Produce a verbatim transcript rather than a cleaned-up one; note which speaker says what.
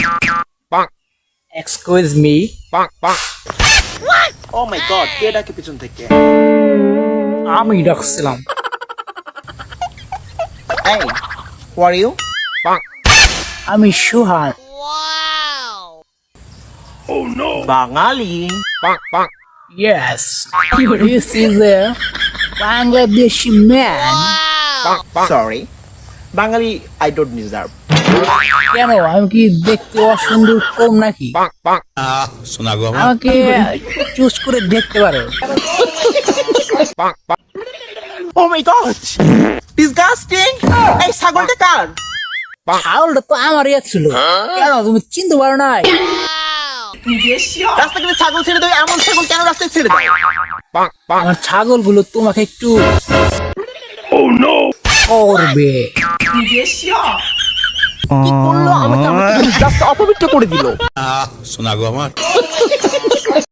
Speaker 1: Excuse me.
Speaker 2: Oh my god, কে ডাকে পিছন থেকে?
Speaker 1: আমি ডাকছিলাম।
Speaker 2: Hey, who are you?
Speaker 1: আমি সুহান।
Speaker 2: বাঙালি।
Speaker 1: Yes. This is a Bangladeshi man.
Speaker 2: Sorry, Bangali I don't deserve.
Speaker 1: কেন আমি কি দেখতে অসুন্দর কম নাকি?
Speaker 3: শোনা গো আমার
Speaker 1: আমাকে চুজ করে দেখতে পারো।
Speaker 2: Oh my god, disgusting! এই ছাগলটা কার?
Speaker 1: ছাগলটা তো আমার ইয়ে ছিল। কেন তুমি চিনতে পারো নাই?
Speaker 2: রাস্তা থেকে ছাগল ছেড়ে দাও, এমন ছাগল কেন রাস্তায় ছেড়ে দাও?
Speaker 1: আমার ছাগলগুলো তোমাকে একটু করবে।
Speaker 2: কি করলো আমাকে? আমাকে জাস্ট অপবিত্র করে দিল।
Speaker 3: শোনা গো আমার